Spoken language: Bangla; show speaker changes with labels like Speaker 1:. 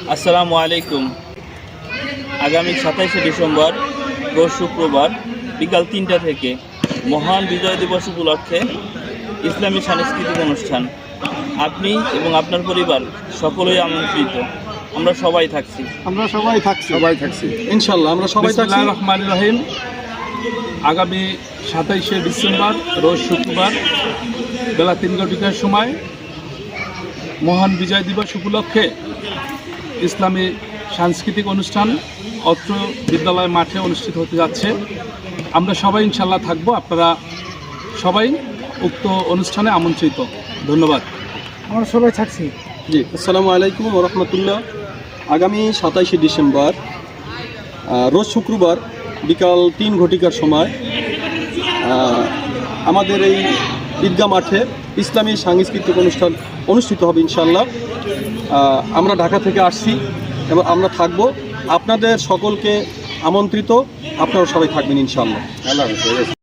Speaker 1: আসসালামু আলাইকুম। আগামী 27শে ডিসেম্বর রোজ শুক্রবার বিকাল 3টা থেকে মহান বিজয় দিবস উপলক্ষে ইসলামী সাংস্কৃতিক অনুষ্ঠান। আপনি এবং আপনার পরিবার সকলেই আমন্ত্রিত। আমরা সবাই থাকছি
Speaker 2: ইনশাআল্লাহ আমরা সবাই থাকছি।
Speaker 3: বিসমিল্লাহির রহমানির রহিম। আগামী 27শে ডিসেম্বর রোজ শুক্রবার বেলা 3টার সময় মহান বিজয় দিবস উপলক্ষে ইসলামী সাংস্কৃতিক অনুষ্ঠান অত্র বিদ্যালয় মাঠে অনুষ্ঠিত হতে যাচ্ছে। আমরা সবাই ইনশাল্লাহ থাকবো। আপনারা সবাই উক্ত অনুষ্ঠানে আমন্ত্রিত। ধন্যবাদ।
Speaker 4: আমরা সবাই থাকছি।
Speaker 2: জি, আসসালামু আলাইকুম ওয়া রাহমাতুল্লাহ। আগামী 27শে ডিসেম্বর রোজ শুক্রবার বিকাল 3 সময় আমাদের এই ঈদগাহ মাঠে ইসলামী সাংস্কৃতিক অনুষ্ঠান অনুষ্ঠিত হবে ইনশাআল্লাহ। আমরা ঢাকা থেকে আসছি এবং আমরা থাকব। আপনাদের সকলকে আমন্ত্রিত, আপনারা সবাই থাকবেন ইনশাআল্লাহ। আল্লাহ হাফেজ।